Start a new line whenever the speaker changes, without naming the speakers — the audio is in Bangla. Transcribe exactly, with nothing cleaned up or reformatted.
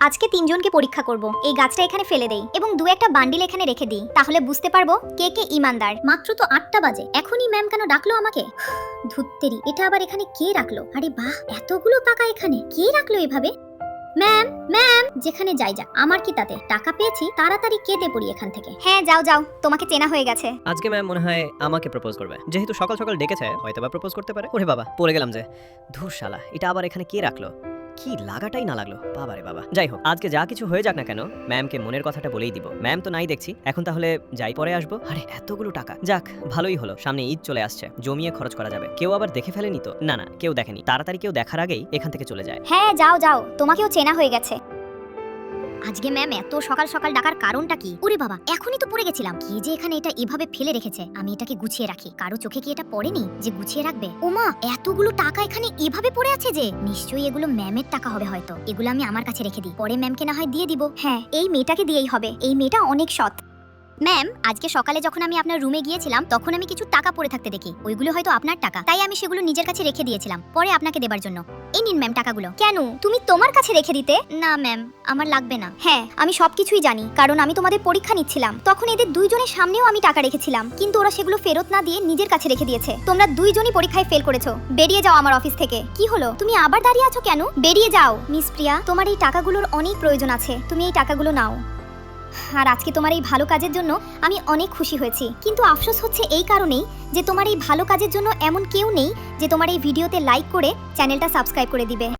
আজকে তিনজনকে পরীক্ষা করব। এই গাছটা এখানে ফেলে দেই এবং দু একটা বান্ডিল এখানে রেখে দিই, তাহলে বুঝতে পারবো কে কে ইমানদার। মাত্র তো আটটা বাজে, এখনই ম্যাম কেন ডাকলো আমাকে? ধুত্তেরি, এটা আবার এখানে কে রাখলো? আরে বাহ, এতগুলো টাকা এখানে কে রাখলো এভাবে? ম্যাম ম্যাম, যেখানে যাই যা, আমার কি তাতে? টাকা পেয়েছি, তাড়াতাড়ি কেটে পড়ি এখান থেকে। হ্যাঁ যাও যাও, তোমাকে চেনা হয়ে গেছে।
আজকে ম্যাম মনে হয় আমাকে প্রপোজ করবে, যেহেতু সকাল সকাল ডেকেছে হয়তো বা প্রপোজ করতে পারে। ওরে বাবা, পড়ে গেলাম যে। ধুর শালা, এটা আবার এখানে কে রাখলো? কি লাগাটাই না লাগলো, বাবা রে বাবা। যাই হোক, আজকে যা কিছু হয়ে যাক না কেন, ম্যামকে মনের কথাটা বলেই দিব। ম্যাম তো নাই দেখছি, এখন তাহলে যাই পরে আসবো। আরে এতগুলো টাকা, যাক ভালোই হলো, সামনে ঈদ চলে আসছে, জমিয়ে খরচ করা যাবে। কেউ আবার দেখে ফেলেনি তো? না না, কেউ দেখেনি। তাড়াতাড়ি কেউ দেখার আগেই এখান থেকে চলে যায়।
হ্যাঁ যাও যাও, তোমাকেও চেনা হয়ে গেছে। আজকে ম্যাম এত সকাল সকাল ডাকার কারণটা কি? ওরে বাবা, এখনই তো পড়ে গেছিলাম। কি যে এখানে এটা এভাবে ফেলে রেখেছে, আমি এটাকে গুছিয়ে রাখি। কারো চোখে কি এটা পড়েনি যে গুছিয়ে রাখবে? ওমা, এতগুলো টাকা এখানে এভাবে পড়ে আছে যে, নিশ্চয়ই এগুলো ম্যামের টাকা হবে হয়তো। এগুলো আমি আমার কাছে রেখে দিই, পরে ম্যামকে না হয় দিয়ে দিব। হ্যাঁ, এই মেয়েটাকে দিয়েই হবে, এই মেয়েটা অনেক সৎ। ম্যাম, আজকে সকালে যখন আমি আপনার রুমে গিয়েছিলাম তখন আমি কিছু টাকা পড়ে থাকতে দেখি। ওইগুলো হয়তো আপনার টাকা, তাই আমি সেগুলো নিজের কাছে রেখে দিয়েছিলাম পরে আপনাকে দেবার জন্য। এই নিন ম্যাম টাকাগুলো। কেন, তুমি তোমার কাছে রেখে দিতে? না ম্যাম, আমার লাগবে না। হ্যাঁ, আমি সবকিছুই জানি, কারণ আমি তোমাদের পরীক্ষা নিচ্ছিলাম। তখন এদের দুইজনের সামনেও আমি টাকা রেখেছিলাম, কিন্তু ওরা সেগুলো ফেরত না দিয়ে নিজের কাছে রেখে দিয়েছে। তোমরা দুইজনই পরীক্ষায় ফেল করেছো। বেরিয়ে যাও আমার অফিস থেকে। কি হলো, তুমি আবার দাঁড়িয়ে আছো কেন? বেরিয়ে যাও। মিস প্রিয়া, তোমার এই টাকাগুলোর অনেক প্রয়োজন আছে, তুমি এই টাকাগুলো নাও। আর আজকে তোমার এই ভালো কাজের জন্য আমি অনেক খুশি হয়েছি, কিন্তু আফসোস হচ্ছে এই কারণেই যে তোমার এই ভালো কাজের জন্য এমন কেউ নেই যে তোমার এই ভিডিওতে লাইক করে চ্যানেলটা সাবস্ক্রাইব করে দিবে।